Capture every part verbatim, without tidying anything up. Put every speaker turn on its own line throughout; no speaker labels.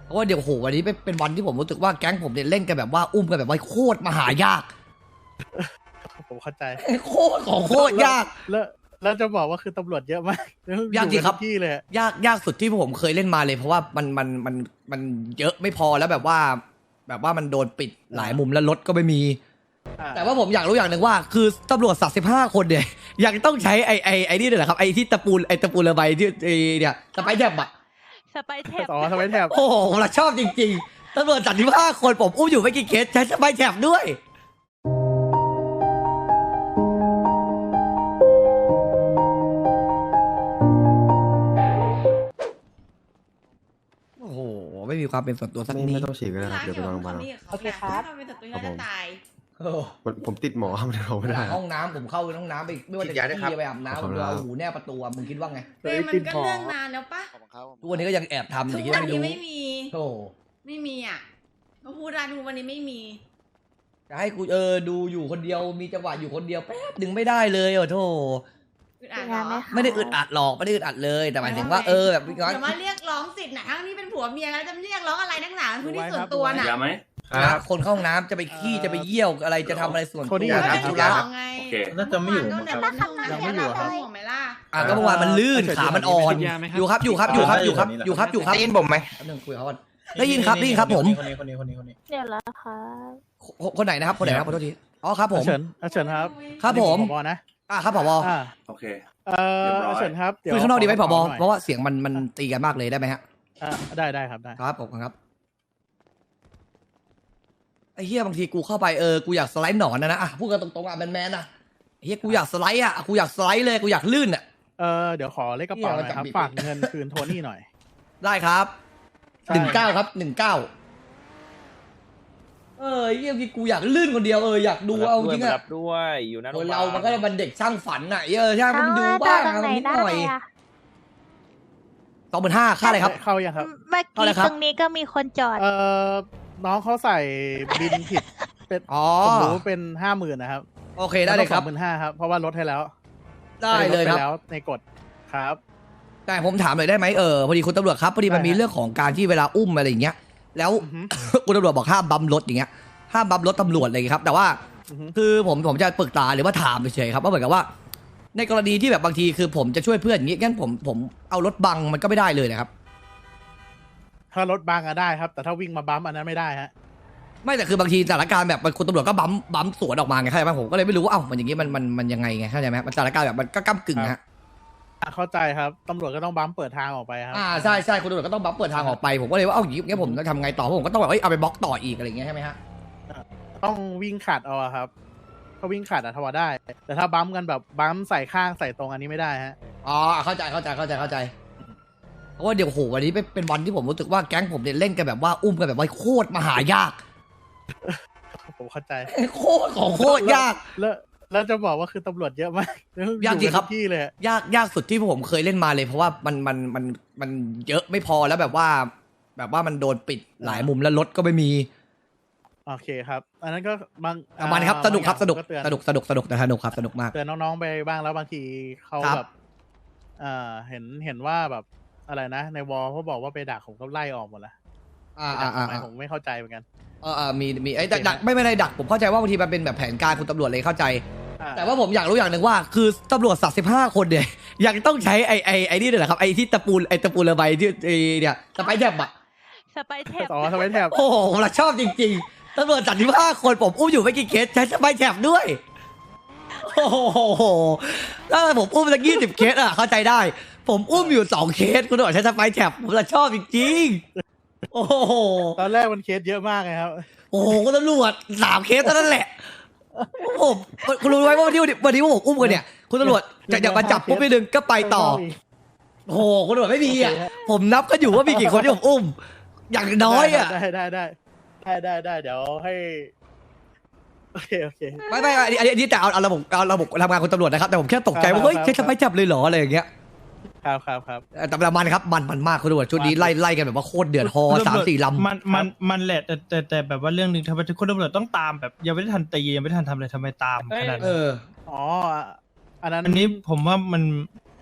ราะว่าเดี๋ยวโหวันนี้เป็นวันที่ผมรู้สึกว่าแก๊งผมเนี่ยเล่นกันแบบว่าอุ้มกันแบบว่าโคตรมหายาก
ผมเข้าใจ
โคตรของโคตรยาก
แล้วแล้วจะบอกว่าคือตำรวจเยอะมาก
ยากจริงครับ
ที่เลย
ยากยากสุดที่ผมเคยเล่นมาเลยเพราะว่ามันมันมันมันเยอะไม่พอแล้วแบบว่า แบบว่ามันโดนปิดหลายมุมแล้วรถก็ไม่มีแต่ว่าผมอยากรู้อย่างหนึ่งว่าคือตำรวจสักสิบห้าคนเนี่ยยังต้องใช้ไอ้ไอ้ไอ้นี่เลยเหรอครับไอ้ที่ตะปูไอ้ตะปูระบายที่เนี่ยสไปแทบอะ
สไปแทบ
อ๋อสไปแทบ
โอ้โหผมชอบจริงๆตำรวจสักสิบห้าคนผมอุ้มอยู่ไม่กี่เคสใช้สไปแทบด้วยโอ้โหไม่มีความเป็นส่วนตัวสักนิด
ไม่ต้องฉีดก็ได้ครับเดี๋ยวไปโรงพยาบาล
โอเคครับ
เป็นศัตรูกันจะตาย
ผมติดหมอมันเราไม่ได้
ห้องน้ำผมเข้าห้องน้ำไปไม่ว่าจะขี้ไปอาบน้ำผมเอาหูแนบประตูมึงคิดว่าไง
เฮ้ยมันก็เรื่องนานแล้วปะ
ทุกวันนี้ก็ยังแอบทำ
ทุ
อย่าง
ก
นี้
วันนี้ไม่มี
โอ้
ไม่มีอ่ะมาพูดร้านทุกวันนี้ไม่มี
จะให้กูเออดูอยู่คนเดียวมีจังหวะอยู่คนเดียวแป๊บดึงไม่ได้เลยโอ้โธ่ไม่ได้อึดอัดหรอกไม่ได้อึดอัดเลยแต่หมายถึงว่าเออแบบ
พี่ก้อนจะมาเรียกร้องสิทธิ์นะทั้งนี้เป็นผัวเมียแล้วจะเรียกร้องอะไรนักหนาพื้นที่ส่วนตัวน่ะ
ครับคนเข้าห้องน้ำจะไปขี้จะไปเยี่ยวอะไรจะทำอะไรส่วนตัว
นะ
ธุ
ระ
โอเคน่าจะไม่อยู่
ยังไม่อยู่ครับ
อ่ะก็เมื่อวานมันลื่นขามันอ่อนอยู่ครับอยู่ครับอยู่ครับอยู่ครับอยู่ครับอยู่ครับ
ได้ยินผมไหม
หนึ่งคุยเขาก่อนได้ยินครับได้ยินครับผม
คนนี้คนนี้คนนี้คนนี้
เดี๋ยวแล้วครับ
คนไหนนะครับคนไหนครับขอโทษทีอ๋อครับผม
เฉินเฉินครับ
ครับผม
ผบนะ
อ่าครับผบ
โอเค
เออเฉินครับ
คุยข้างนอกดีไหมผบเพราะว่าเสียงมันมันตีกันมากเลยได้ไหมฮะ
อ่าได้ได้ครับได้
ครับผมครับไอ้เฮียบางทีกูเข้าไปเออกูอยากสไลด์หนอนนะนะอ่ะพูดกันตรงๆอ่ะแมนๆนะเฮียกูอยากสไลด์อ่ะกูอยากสไลด์เลยกูอยากลื่นอ่ะ
เออเดี๋ยวขอเลขกระเป๋าหน่อยครับฝากเงินคืนโทนี่หน่อย
ได้ครับหนึ่งเก้าครับหนึ่งเก้าเออเฮียกูอยากลื่นคนเดียวเอออยากดูเอาจริงอ่ะ
ด้วยอยู่นั่น
เรามันก็มันเด็กช่างฝันอ่ะเออใช่มันดูบ้างเอานิดหน่อยสองหมื่นห้าค่าอะไรครับ
เข้ายังครับ
เมื่อกี้ตรงนี้ก็มีคนจอด
เออน้องเขาใส่บินผิดเป็นผมรู้เป็นห้าหมื่นนะครับ
โอเคได้เลยครับ
หมื่นห้าครับเพราะว่าลดให้แล้ว
ได้เลยครับ
แล้วในกฎครับ
แต่ผมถามหน่อยได้ไหมเออพอดีคุณตำรวจครับพอดีมันมีเรื่องของการที่เวลาอุ้มอะไรอย่างเงี้ยแล้วคุณตำรวจบอกห้ามบัมรถอย่างเงี้ยห้ามบัมรถตำรวจอะไรอย่างเงี้ยครับแต่ว่าคือผมผมจะปรึกษาหรือว่าถามเฉยๆครับว่าเหมือนกับว่าในกรณีที่แบบบางทีคือผมจะช่วยเพื่อนอย่างงี้งั้นผมผมเอารถบังมันก็ไม่ได้เลยนะครับ
ถ้ารถบังอะได้ครับแต่ถ้าวิ่งมาบัมอันนั้นไม่ได้ฮะ
ไม่แต่คือบางทีสถานการณ์แบบคุณตำรวจก็บัมบัมสวนออกมาไงเข้าใจไหมผมก็เลยไม่รู้ว่าเอ้ามันอย่างงี้มันมันมันยังไงไงเข้าใจไหมมันสถานการณ์แบบมันก็ก้ำกึ่งฮะ
เข้าใจครับตำรวจก็ต้องบัมเปิดทางออกไปครับ
อ่าใช่ใช่คุณตำรวจก็ต้องบัมเปิดทางออกไปผมก็เลยว่าเอ้าอย่างงี้ผมจะทำไงต่อผมก็ต้องแบบเอ้ยเอาไปบล็อกต่ออีกอะไรอย่างเงี้ยใช่ไหมฮะ
ต้องวิ่งขัดเอาครับถ้าวิ่งขัดอะทว่าได้แต่ถ้าบัมกันแบบบัมใส่ข้างใส่ตรงอันนี้ไม่ได้ฮะ
อ๋อเข้าใจเข้าใจเข้าใจเข้าใจเพราะว่าเดี๋ยวโหวันนี้เป็นวันที่ผมรู้สึกว่าแก๊งผมเนี่ยเล่นกันแบบว่าอุ้มกันแบบว่าโคตรมหายาก
ผมเข้าใจ
โคตรของโคตรยาก
แล้วแล้วจะบอกว่าคือตำรวจเยอะมาก
ยากจริงครับ
ที่เลย
ยากยากสุดที่ผมเคยเล่นมาเลยเพราะว่ามันมันมันมันเยอะไม่พอแล้วแบบว่า แบบว่ามันโดนปิดหลายมุมแล้วรถก็ไม่มี
โอเคครับอันนั้นก็บาง
มันครับสนุกครับสนุกสนุกสนุกสนุกนะสนุกครับสนุกมาก
เตือนน้องๆไปบ้างแล้วบางทีเขาแบบเอ่อเห็นเห็นว่าแบบอะไรนะในวอลเขาบอกว่าไปดักผมก็ไล่ออกหมดแล้ว
อ่าอ่าอ่า
ผมไม่เข้าใจเหมือนกัน
เออเออมีมีไอ้ดักไม่ไม่ได้ดักผมเข้าใจว่าบางทีมันเป็นแบบแผนการคุณตำรวจเลยเข้าใจแต่ว่าผมอยากรู้อย่างหนึ่งว่าคือตำรวจสักสิบห้าคนเนี่ยยังต้องใช้ไอ้ไอ้ไอ้นี่เลยเหรอครับไอ้ที่ตะปูไอ้ตะปูระบายที่เนี่ยสไปแทบอะ
สไปแทบ
อ๋อสไปแทบ
โอ้โหผมชอบจริงๆตำรวจสักสิบห้าคนผมอุ้มอยู่ไม่กี่เคสใช้สไปแทบด้วยโอ้โหถ้าผมอุ้มสักยี่สิบเคสอะเข้าใจได้ผมอุ้มอยู่สองเคสคุณตำรวจใช้สไปแทบผมชอบจริงๆโอ้โห
ตอนแรกมันเคสเยอะมากเลยครับ
โอ้โหคุณตำรวจสามเคสเท่านั้นแหละผมคุณรู้ไหมว่าที่วันนี้ว่าผมอุ้มกันเนี่ยคุณตำรวจจะอยากมาจับปุ๊บไปดึงก็ไปต่อโอ้โหคุณตำรวจไม่มีอ่ะผมนับก็อยู่ว่ามีกี่คนที่ผมอุ้มอย่างน้อยอ่ะ
ได้ได้ได้ได้ได้ได้เดี๋ยวให้โอเคโอเค
ไม่ไม่อันนี้อันนี้แต่เอาเอาระบบเอาระบบทำงานคุณตำรวจนะครับแต่ผมแค่ตกใจว่าเฮ้ยใช้ทำไมจับเลยเหรออะไรอย่างเงี้ย
ครับครับครับ
แต่ประมาณครับมันมันมากคุณตำรวจชุดนี้ไล่ไล่กันแบบว่าโคตรเดือดฮอสามสี่ลำ
มันมันมันแหละแต่แต่แต่แบบว่าเรื่องนึงทำไมทุกคนตำรวจต้องตามแบบยังไม่ได้ทันตียังไม่ทันทำอะไรทำไมตามขนาดนั้น
อ๋ออันนั้น
อันนี้ผมว่ามัน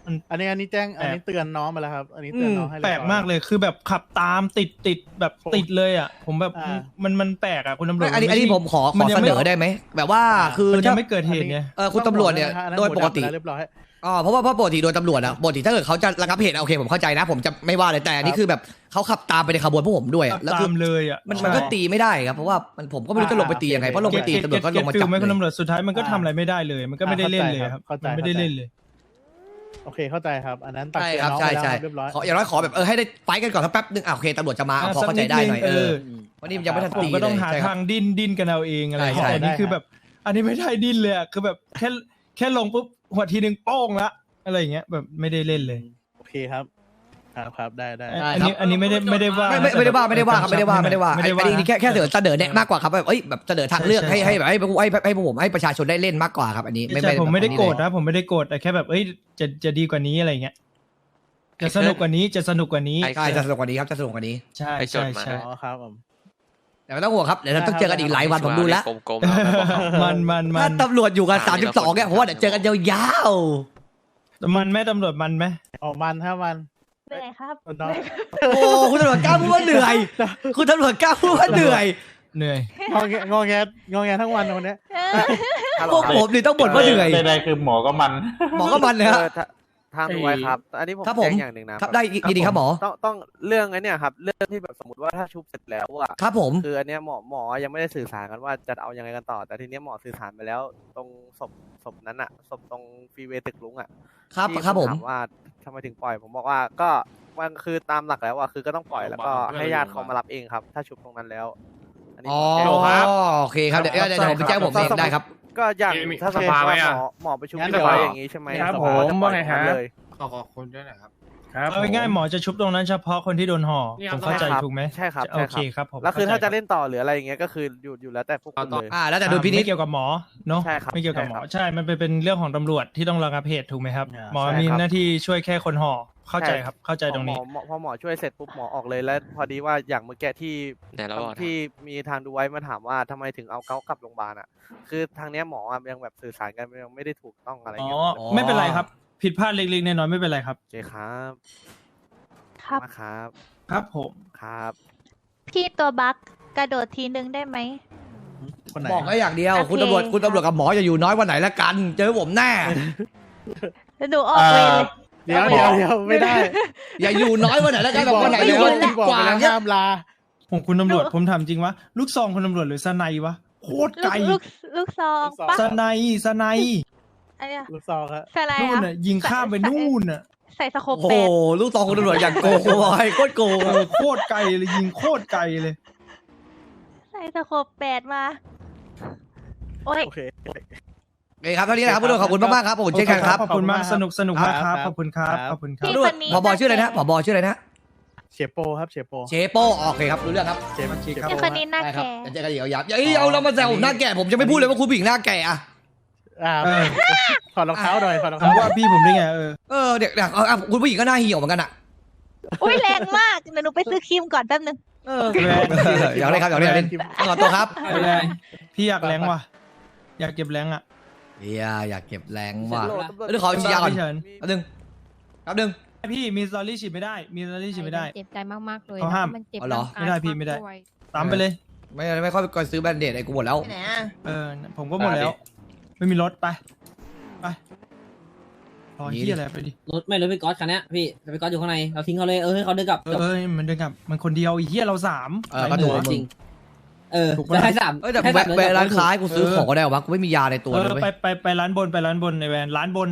มัน
อันนี้อันนี้แจ้งอันนี้เตือนน้องมาแล้วครับ อันนี้เตือนน้องให้
แปลกมากเลยคือแบบขับตามติดติดแบบติดเลยอ่ะ ผมแบบ
อ่า
มันมันแปลกอ่ะคุณตำรวจ
ไม่อันนี้
มั
อันนี้
ไใช่
ผมขอข
มั
อน
ยัง
เส
ไม่
นอได้ไหมแบบว่าคือ
มันยัง
ถ้า
ไม่เกิดเหตุไง
เออคุณตำรวจเนี่ย
อันนั้น
โดยปกติ
หัวดำแล้วเรียบร้อย
อ๋อเพราะว่าเพราะปกติโดยตำรวจอะปกติถ้าเกิดเขาจะระงับเหตุอะโอเคผมเข้าใจนะ ผมจะไม่ว่าเลยแต่อันนี้คือแบบเขาขับตามไปในขบวนพวกผมด้วยอะแล้ว
ตา
คือ
มเลยอ่ะ
มันมันก็ตีไม่ได้ครับเพราะว่ามันผมก็ไม่รู้จะลงไปตียังไงเพราะลงไปตีตำรวจก็ลงมาจับ
ไหมคุณ
เลย
ตำรวจสุดท้ายมันก็ทำอะไรไม่ได้เลย มันก็ไม่ได้เล่นเลยครับ
เข้าใจ
มันไม่ได้เล่นเลย
โอเคเข้าใจครับ อันนั้นตัก
ใช่
เตือน
ครับ
น้อง
ใช่
ไปแล้ว
ใช่
เรียบร้อย
ขออย่างน้อยขอแบบเออให้ได้ไฟท์กันก่อนสักแป๊บนึงอ่ะโอเคตำรวจจะมาเอาพอเข้าใจได้หน่อยเออวันนี้ยังไม่ทัน
ผม
ตี
ก็ต้อง
เลย
หา
ใช่ครับ
ทางดิ้นดิ้นกันเอาเองอะไร
ใช่ใช่
แต่นี่คือแบบ อันนี้ไม่ได้ดิ้นเลยอ่ะคือแบบแค่แค่ลงปุ๊บหัวทีนึงโป้งละอะไรอย่างเงี้ยแบบไม่ได้เล่นเลย
โอเคครับ ครับครับได้ได้
อันนี้อันนี้ไม่ได้ไม่ได้ว่า
ไม่ไม่ไม่ได้ว่าไม่ได้ว่าครับไม่ได้ว่าไม่ได้ว่า
ไม่
ไอ้
ได้ว่า
อันนี้แค่แค่เสนอเสนอแนะมากกว่าครับแบบเอ้ยแบบเสนอทางเลือก
ใช่
ให้
ใช่
ให้แบบให้ให้ให้ให้พวกผมให้ประชาชนได้เล่นมากกว่าครับอันนี้
ไม่ไม่ผมไม่ได้โกรธนะผมไม่ได้โกรธแต่แค่แบบเอ้ยจะจะดีกว่านี้อะไรเงี้ยจะสนุกกว่านี้จะสนุกกว่านี้
ใช่จะสนุกกว่านี้ครับจะสนุกกว่านี้
ใช่
ไปจด
ใช่
มา
ใช่
อ๋อครับผม
แต่ไม่ต้องห่วงครับเดี๋ยวเราต้องเจอกันอีกหลายวันผมดูแล้ว
กลมๆแล้วบอก
มันมันมั
ถ้าน ตำรวจอยู่กันสามสิบสองเนี่ยผมว่าเดี๋ยวเจอกันยาว
มันไหมตำรวจมันไหม
ออกมันถ้ามัน
เหนื่อยครับ
น้อง
ๆโอ้คุณตำรวจกล้าพูดว่าเหนื่อยคุณตำรวจกล้าพูดว่าเหนื่อย
เหนื่อย
งอแงงอแงงอแงทั้งวันวันเนี้ย
พวกผมนี่ต้องบ่นว่าเหนื่อย
ใดๆคือหมอก็มัน
หมอก็มันนะฮะ
เออถ้าทางดูไว้ครับ อันนี้ผม
ครับผม
แจ้งอย่างหนึ่งนะครับ
ได้ยินดีครับหมอ
ต้องต้องเรื่องไอ้เนี่ยครับ เรื่องที่แบบสมมติว่าถ้าชุบเสร็จแล้วอะ
ครับผม
คืออันเนี้ยหมอหมอยังไม่ได้สื่อสารกันว่าจะเอายังไงกันต่อ แต่ทีเนี้ยหมอสื่อสารไปแล้ว ตรงศพศพนั้นอะศพตรงฟรีเวย์ตึกลุงอะ
ครับ
ที่
ครับผม
ถามว่าทำไมถึงปล่อย ผมบอกว่าก็มันคือตามหลักแล้วอะคือก็ต้องปล่อยแล้วก็ให้ญาติเขามารับเองครับ ถ้าชุบตรงนั้นแล้ว อันนี้
อ๋อ
ผมแจ้ง
โอเคครับเดี๋ยวเดี๋ยวเดี๋ยวผมไปแจ้งผมเองได้ครับ
ก็อย่าง
มี
ถ้าสมม
สภา
ติ
ไหม
ว่าห
อะ
มอหมอประชุม
งั้น
เรียบร้อย
เดี๋ยว
อย่างนี้ใช่ไหม
ครับ
สภาจะ
ผม
ปล่อย
ว่าไงฮะ
เลย
ขอขอบคุณด้วยนะครับ
เอาง่ายๆหมอจะชุบตรงนั้นเฉพาะคนที่โดนห่อ
นี่ครั
ผ
บ
มเข้าใจ
ใช่ครับ
ถูกไหม
ใช่ครับ
โอ
ใช่
เค
ครับ
ครับผม
แล้วคือ
เข้
ถ้า
ใจ
จะเล่นต่อหรืออะไรอย่างเงี้ยก็คืออยู่อยู่แล้วแต่พวกคุณเลย
อ่าแล้วแต่ดุลพินิจ
ไม่เกี่ยวกับหมอเนาะ
ใช่ครับ
ไม่เกี่ยวกับหมอ
ใช่ครับ
ใช่มันเป็นเป็นเรื่องของตำรวจที่ต้องระงับเหตุถูกไหมครับ
อ่า
หมอ
ใช่
มี
ครับ
หน้าที่ช่วยแค่คนห่อเข้าใจครับเข้าใจตรงนี้
หมอหมอพอหมอช่วยเสร็จปุ๊บหมอออกเลยแล้วพอดีว่าอย่างเมื่อกี้ที่
ไหนเราบอกนะ
ที่มีทางดูไว้มาถามว่าทำไมถึงเอาเขากลับโรงพยาบาลอ่ะ คือทางเนี้ยหมออะยังแบบสื่อสารกันยังไม่ได้ถูกต้องอะไร
อ๋อ
เงี้ย
อ๋อ
ไม่เป็นไรครับ ผิดพลาดเล็กๆน้อยๆไม่เป็นไรครับ
โอเคครับ
ครับ
มาครับ
ครับผม
ครับ
พี่ตัวบักกระโดดทีนึงได้ไหม
คนไหน
บอกแค่อย่างเดียว
โอเค
คุณตำรวจคุณตำรวจกับหมออย่าอยู่น้อยวันไหนละกัน เจอผมแน่
แล้วหนูออกเวรเลย
เดี๋ยวเดี๋ยวเดี๋ยวไม่ได้
อย่าอยู่น้อยวันไหนละกัน
พี่
แบบ
บอก
วันไหน
ไป
เดี๋ยว
แล้ว
วันที่
พี่บอก
กว่า
ไปแล้ว
เนี่ย
ห้ามลา
ผมคุณตำรวจผมถามจริงวะลูกซองคุณตำรวจหรือสไนวะโคตร
ลู
ไกล
กลูกลูกซอง
ลูกซอง
ปะ
สไนสไน
อันเนี้ย
ลูกซองครับ
ใส่อะไร
นู่น
อ่ะ
น่ะยิงข้ามไปนู่นน่ะ
ใส่สโคป
โอ้
แป
โห
ด
ลูกตองคุณตำรวจอย่างโกงบอยโคตรโกง
เออโคตรไกลเลยยิงโคตรไกลเลย
ใส่สโคปแปดมา โอ้ย
โอเค
โอเคครับเท่านี้นะครับคุณตำรวจขอบคุณมากๆครับผมเช่นกันครับ
ขอบคุณมากสนุกสนุกมากครับ
ครับ
ขอบคุณครับ
ครับ
ขอบคุณครั
พี่
บ
ตำรวจ
คนนี้
ผบชื่ออะไรนะผบชื่ออะไรนะ
เชโปครับเชโป
เชโปโอเคครับรู้เรื่องครับ
เชโปเช
พี่
โป
คนนี้หน้า
ได้ครับ
แก่
เดี๋ยวเจอกันอีกยาวๆอย่าเอาเรามาแซวผมหน้าแก่ผมจะไม่พูดเลยว่าคุณผู้หญิงหน้าแก่อะ
อ่า
เออ
ถอดรองเท้าหน่อยถอดรอง
ถาม
เท้า
ว่าพี่ผมได้ไงเออ
เออเด็กๆเอาเอาคุณผู้หญิงก็หน้าเหี่ยวเหมือนกันอะ
อุ้ยแรงมากเดี๋ยวหนูไปซื้อครีมก่อนแป๊บนึง
เอออยากเล่นครับอยากเล่นอยากเล่นขอตัวครับ
ไม่ได้พี่อยากแรงว่ะอยากเก็บแรงอ่ะ
เฮียอยากเก็บแรงว่ะ
เดี๋ยว
เรื่องขอฉีดยาก่อน
พี่เฉิน
แป๊บนึงแป๊บนึง
พี่มีสตอรี่ฉีดไม่ได้ มีสตอรี่ฉีดไม่ได้
เจ็บใจมากๆเลย
เขาห้าม
มันเจ็บ
อ๋อเหรอ
ร่างกาย
ไม่ได้พี่ไม่ได้
ากวย
ตามไปเลย
ไม่ไม่ค่อยไปซื้อแบรนด์เดดไอ้กูหมดแล้ว
ไหนอ่ะ
เออ ผมก็หมดแล้ว ไม่มีรถไป ไปรอเฮียอะไรไปดิ
รถไม่รถพี่ก๊อตคันเนี้ยพี่แต่พี่ก๊อตอยู่ข้างในเราทิ้งเขาเลยเออให้เขาเดินกลับ
เออเออมันเดินกลับ มันคนเดียวไอ้เฮียเราสาม
เออก็ถูก
จริงเออ
ถูกปะ
จะให้สาม
เอ้ยแต่
ให้
แวะ
สาม
แวะร้านค้า
เดิ
ให้กูซื้อของก็ได้วะกูไม่มียาในตัว
เอ
เลย
อ
เว้ย
ไปไปไปร้านบนไปร้านบนในแวนร้านบน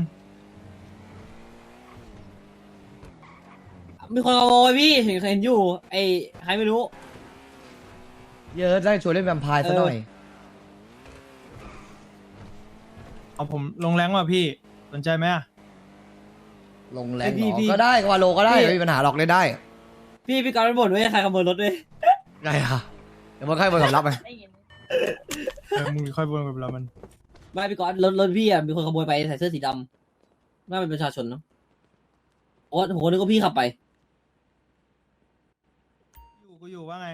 มีคนขโมยพี่เห็นเห็นอยู่ไอ้ใครไม่รู้
เยอะได้ชวนเล่นแวมไพร์ซะหน่อย
เอาผมลงแรงว่ะพี่ สนใจไหมอะ
ลงแรง
พี่
เหรอ
พี่
ก็ได้ก็ว่าโลก็ได้
พี่
ไม่มีปัญหาหรอกเล่นได้
พี่พี่ก๊อตมันบ่นว่าใครขโมยรถด้วย
ได้ค่ะเดี๋ยวมันค่อยมาสำรับไป
เออมึงค่อยบนกับเรามัน
ไม่พี่ก๊อตรถรถพี่อ่ะมีคนขโมยไปใส่เสื้อสีดำน่าเป็นประชาชนเนาะโอ้โหนึกว่าพี่ขับไป
อยู่กูอยู่ว่าไง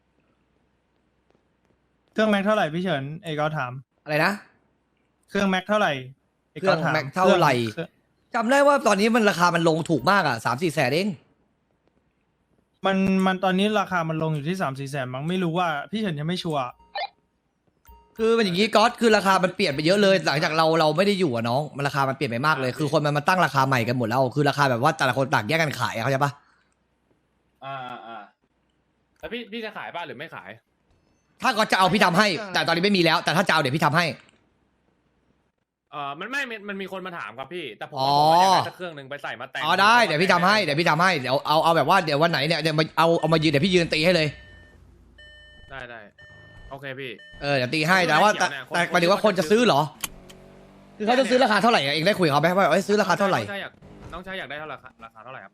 เครื่องแม็กเท่าไหร่พี่เฉินเอกเอาถาม
อะไรนะ
เครื่องแม็กเท่าไหร่ก
เครื่อง
ถา
แม็กเท่าไหร่
เครื่อง
จำได้ว่าตอนนี้มันราคามันลงถูกมากอ่ะสามสี่แสนเอง
มันมันตอนนี้ราคามันลงอยู่ที่สามสี่แสนมั้งไม่รู้ว่าพี่เฉินยังไม่ชัวร์
คือเป็นอย่างนี้ก๊อตคือราคามันเปลี่ยนไปเยอะเลยหลังจากเราเราไม่ได้อยู่อะน้องมันราคามันเปลี่ยนไปมากเลยคือคนมันมาตั้งราคาใหม่กันหมดแล้วคือราคาแบบว่าแต่ละคนต่างแยกกันขายอะเข้าใจปะ
อ่าอ่าแล้วพี่พี่จะขายป่ะหรือไม่ขาย
ถ้าก็จะเอาพี่ทำให้ แต่ตอนนี้ไม่มีแล้ว แต่ถ้าจะเอาเดี๋ยวพี่ทำให้
เออมันไม่มันมันมีคนมาถามครับพี่แต่ผม
อ๋อ
ว่าผมอยากได้สักเครื่องหนึ่งไปใส่มาแต่ง
อ๋อได้เดี๋ยวพี่ทำให้เดี๋ยวพี่ทำให้เดี๋ยวเอาเอาแบบว่าเดี๋ยววันไหนเนี่ยเดี๋ยวมาเอาเอามายืนเดี๋ยวพี่ยืนตีให้เลย
ได้ได้โอเคพี่
เออเดี๋ยวตีให้แต่ว่าแต่แต่หมายถึงว่าคนจะซื้อเหรอคือเขาจะซื้อราคาเท่าไหร่อะเองได้คุยกับเขาไหมว่าเอ้ยซื้อราคาเท่าไหร่
น้องชายอยากน้องชายอยากได้เท่าไหร่ราคาเท่าไหร่ครับ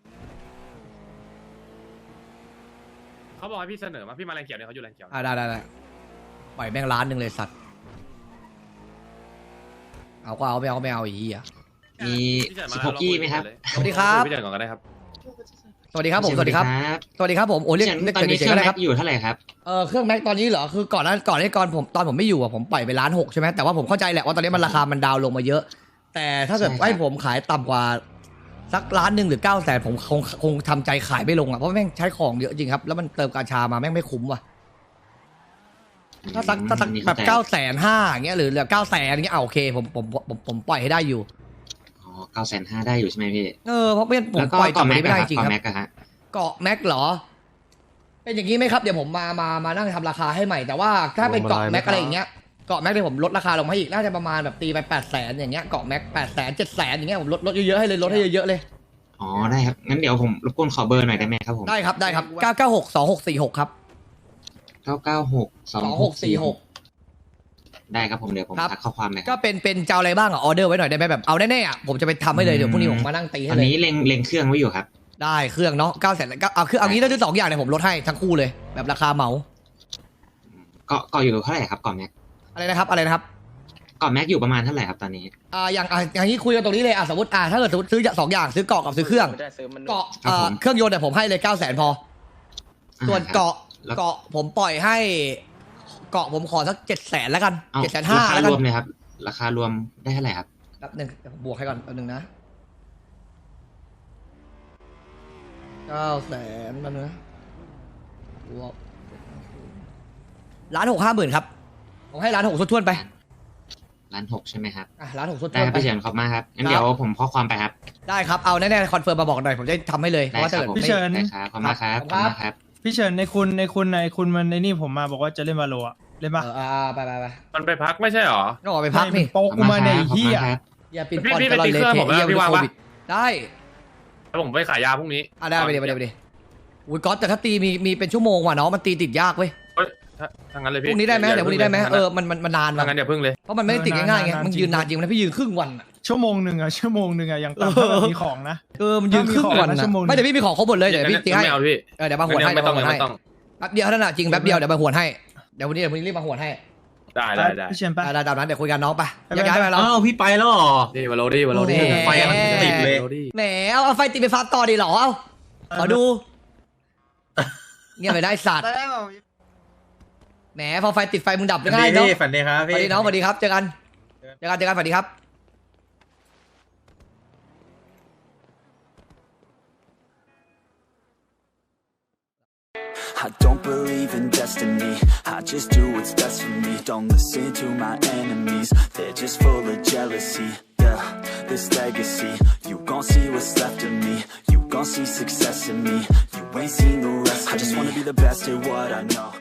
เขาบอกให้พี่เสนอมาพี่มาแรงเขียวเนี่ยเขาอยู่แรงเขียว
อ่าได้ได้ได้ปล่อยแม่งล้านหนึ่งเลยสัตว์เอาก็เอาไม่เอาก็ไม่เอาอีกอ่ะ
มี
สิบหกกี้ไหมครับ
สวัสดีครับ
พี่เฉินก่อนก็ได้ครับ
สวัสดีครับผมสวัสดีครับสวัสดีครับผมโอ้เรียกเรียก
ตอนนี้
เฉ
เค
ย
รื่
ๆ
อง
ก็ได้ครับ
แม็กอยู่เท่าไหร่ครับ
เออเครื่องแม็กตอนนี้เหรอคือก่อนนั้นก่อนที่ก่อนผมตอนผมไม่อยู่อะผมปล่อยไปล้านหกใช่ไหมแต่ว่าผมเข้าใจแหละว่าตอนนี้มันราคามันดาวน์ลงมาเยอะ แต่ถ้าเกิด
ใช่ครับ
ให้ผมขายต่ำกว่าสักล้านหนึ่งหรือเก้าแสนผมคงคงทำใจขายไม่ลงอ่ะเพราะแม่งใช้ของเยอะจริงครับแล้วมันเติมกาชามาแม่งไม่คุ้มว่ะถ้าสักถ้าสักแบบเก้าแสนห้าอย่างเงี้ยหรือเหลือเก้าแสนอย่างเงี้ยอ่ะโอเคผมผมผมผมปล่อยให้ได้อยู่
อ๋อเก้าแสนห้าได้อยู่ใช่ไหมพี่
เออเพราะไม่งั้นผม
แล้วก็
ปล่อย
เกาะ
ต่ำกว่า
แม็ก
นี้ไม่ได้
อะ
จริง
เกาะ
ครับ
แม็กอะฮะ
เกาะแม็กเหรอ เป็นอย่างนี้ไหมครับเดี๋ยวผมมามามานั่งทำราคาให้ใหม่แต่ว่าถ้าเป็นเกาะแม็กอะไรอย่างเงี้ยเกาะแม็กเดี๋ยวผมลดราคาลงมาให้อีกน่าจะประมาณแบบตีไปแปดแสนอย่างเงี้ยเกาะแม็กแปดแสนเจ็ดแสนอย่างเงี้ยผมลดลดเยอะๆให้เลยลดให้เยอะๆเลย
อ๋อได้ครับงั้นเดี๋ยวผมรบกวนขอเบอร์หน่อยได้ไหมครับผม
ได้ครับได้ครับเก้าเก้าหกสองหกสี่หกครับ
เก้าเก้าหกสอง
สอง
ห
ห
ก
ก
สี่
สี่
ห
ห
ก
ก
ได้ครับผมเดี๋ยวผม
ครับ
ทักข้อความเลยค
ก็
รับ
เป็นเป็นเจ้าอะไรบ้างอ่ะออเดอร์ไว้หน่อยได้ไหมแบบเอาแน่ๆอ่ะผมจะไปทำให้เลยเดี๋ยวพรุ่งนี้ผมมานั่งตี
ต
ให้
อน
เลย
นี้เล็งเล็งเครื่องไว้อยู่ครับ
ได้เครื่องเนาะเก้าแสนก็เอาคือเอางี้ถ้าซื้อสองอย่างเนี่ยผมลดให้ทั้งคู่เลยแบบราคาเหมา
เกาะเกาะอยู่เท่าไหร่ครับเกาะแม็ก
อะไรนะครับอะไรนะครับ
เกาะแม็กอยู่ประมาณเท่าไหร่ครับตอนนี้
อ่าอย่างอ่าอย่างนี้คุยกันตรงนี้เลยอ่ะสมมติอ่าถ้าเกิดสมมติซื้อสองอย่างซื้อเกาะกับซื้อเครื่องเกาะเอ่อเครื่องยนต์เนี่ยผมให้เลยเก้าแสนพอ ส่วนเกาะ
แล้ว
เกาะผมปล่อยให้ เกาะผมขอสักเจ็ดแสนแล้วกัน
เอา
เจ็ดแสนห้า
ราคา
แล้ว
ร
กัน
วมเลยครับราคารวมได้เท่าไหร่ครับ
แป๊บหนึ่งเดี๋ยวผมบวกให้ก่อนแป๊บหนึ่งนะเก้าแสนแป๊บนึงนะบวกล้านหกห้าหมื่นครับผมให้ล้านหกทุ่วนๆไป
ล้านหกใช่ไหมครับ
อ่ะล้านหกทุ่
ได้คว รั
น
บ
ๆไป
พี่เฉินขอบมากครับงั้น
ครับ
เดี๋ยวผมข้อความไปครับ
ได้ครับเอาแน่ๆคอนเฟิร์มมาบอกหน่อยผมจะทำให้เลยเพ
ได้
ราะว่า
ค
ถ้า
รับ
เกิด
ผม
ไม่
พี่เฉิน
ได้ครับขอบมากครับ
ค
ข
รั
อบบ มากครับ
พี่เฉินในคุณในคุณในคุณมันในนี่ผมมาบอกว่าจะเล่นวาโลอะเล่นปะ
เอออ่าไปไปไป
มันไปพักไม่ใช่หรอ
ก็ออกไปพักนี่
โป๊กกูมาในไอ้
ขอบ
เฮี
คุณ
ย
ครับ
อย่าปิด
พี่
ปอน
พี่
ตลอด
ไปตี
เลย
เครื่อง
เท
ผมนะ
เยี่ยม
พี่ว่าง
โค
ปะ
วิดได้
แล้วผมไปขายยาพรุ่งนี้
อ่ะได้ไปเดี๋ยวไปเดี๋ยวไปเดี๋ยวอุ้ยก๊อตแต่ถ้าตีมีมีเป็นชั่วโมงว่ะเนาะมันตีติดยากเว้ย
เอ้ยถ้าถ้างั้นเลย
พ
พี่
รุ่งนี้ได้ไหมเดี๋ยวพรุ่งนี้ได้ไหมเออมันมันมันนาน
ถ้า
ว่ะ
งั้นเดี๋ยวพึ่งเลย
เพราะมันไม่ได้ติดง่ายๆไงมันยืนนานจริงนะพี่ยืนครึ่งวันอะ
ชั่วโมงหนึ่งอะชั่วโมงหนึ่งอะยังต่ำถ้าแบบมีของนะ
เออมันยืนครึ่งวัน
ถ้ามีของนะ
นะ
ชั่วโมงหนึ่ง
ไม่เดี๋ยวพี่มีของครบหมดเลยเดี๋ยวพี่ตีให้
ไม่เอาพี่
เออเดี๋ยวมาหวนให้
ไม่
เดี๋ยว
ต้อ
มาง หวน
ไม่
ให้
ต้อง
แป๊บเดียวเท่านั้นอะจริงแป๊บเดียวเดี๋ยวมาหวนให้เดี๋ยววันนี้เดี๋ยววันนี้รีบมาหวนให้
ได้ได้ได้
พี่เฉินปะ
ได้ได้ตามนั้นเดี๋ยวคุยกันน้องไป
ไป
ยังไงไปเรา
อ้าวพี่ไปแล้วเหรอ
ดีวาโลดี้วาโลดี้
โอ้โห
ไฟกำลังติดเลย
วาโดี้
แหมเอาเอาไฟติดไปฟาร์มต่อดีเหรอเอาขอดูเงียบไปได้สัตว์แหมพอไฟติดไฟมึงดับ
ฝัน
ง่า
ดี
ยเนาะ
พี่ฝันดีครับ
ส
พี่
วัสดีน้องสวัสดีครับเจอกันเจอกันเจอกันสวัสดีครับ
I don't believe in destiny, I just do what's best for me. Don't listen to my enemies, they're just full of jealousy. Yeah, this legacy, you gon' see what's left of me. You gon' see success in me, you ain't seen the rest of me. I just wanna be the best at what I know.